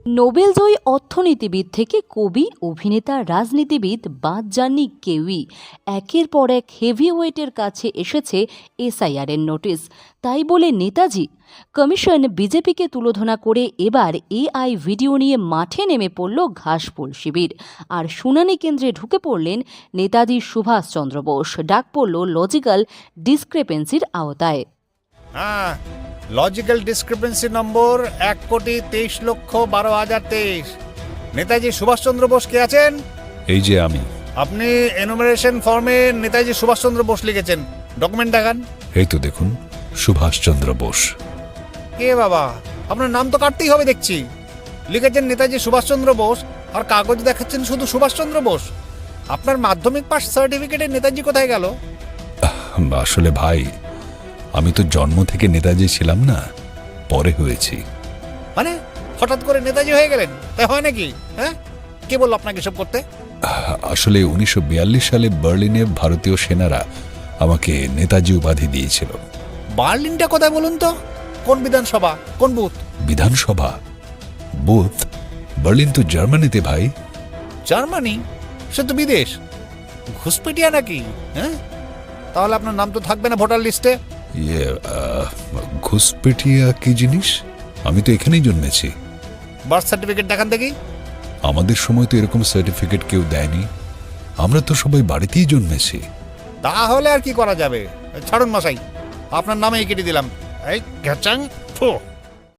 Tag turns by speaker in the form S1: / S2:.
S1: নোবেলজয়ী অর্থনীতিবিদ থেকে কবি, অভিনেতা, রাজনীতিবিদ বাদ যাননি কেউই। একের পর এক হেভিওয়েটের কাছে এসেছে এসআইআরের নোটিশ। তাই বলে নেতাজি কমিশন বিজেপিকে তুলোধনা করে এবার এআই ভিডিও নিয়ে মাঠে নেমে পড়ল ঘাসফুল শিবির। আর শুনানি কেন্দ্রে ঢুকে পড়লেন নেতাজি সুভাষচন্দ্র বোস। ডাক পড়ল লজিক্যাল ডিসক্রেপেন্সির আওতায়।
S2: হ্যাঁ, logical discrepancy number 1,23,12,023। Netaji Subhashchandra Bose কে আছেন?
S3: এই যে আমি।
S2: আপনি এনুমারেশন ফর্মে নেতাজি সুভাষচন্দ্র বোস লিখেছেন, ডকুমেন্ট দেখান।
S3: এই তো দেখুন, সুভাষচন্দ্র বোস।
S2: কে বাবা, আপনার নাম তো কাটতেই হবে দেখছি। লিখেছেন নেতাজি সুভাষচন্দ্র বোস, আর কাগজ দেখাচ্ছেন শুধু সুভাষচন্দ্র বোস। আপনার মাধ্যমিক পাস সার্টিফিকেটে নেতাজি কোথায় গেল?
S3: আসলে ভাই, আমি তো জন্ম থেকে নেতাজি ছিলাম না, পরে হয়েছি।
S2: মানে হঠাৎ করে নেতাজি হয়ে গেলেন? তাই হয় নাকি? হ্যাঁ, কে বলল আপনাকে এসব করতে?
S3: আসলে 1942 সালে বার্লিনে ভারতীয় সেনারা আমাকে নেতাজি উপাধি দিয়েছিল।
S2: বার্লিনটা কোথায় বলুন তো? কোন বিধানসভা, কোন বুথ?
S3: বিধানসভা? বুথ? বার্লিন তো জার্মানিতে ভাই।
S2: জার্মানি? সে তো বিদেশ। ঘুষপেটিয়া নাকি? হ্যাঁ, তাহলে আপনার নাম তো থাকবে না ভোটার লিস্টে।
S3: ঘুষপেটিয়া কি জিনিস? আমি তো এখানেই জন্মেছি।
S2: বার্থ সার্টিফিকেট দেখান দেখি।
S3: আমাদের সময় তো এরকম সার্টিফিকেট কেউ দেয়নি, আমরা তো সবাই বাড়িতেই জন্মেছি।
S2: তাহলে আর কি করা যাবে? ছাড়ুন মশাই, আপনার নামেই কেটে দিলাম। এই ঘ্যাচাং ফু।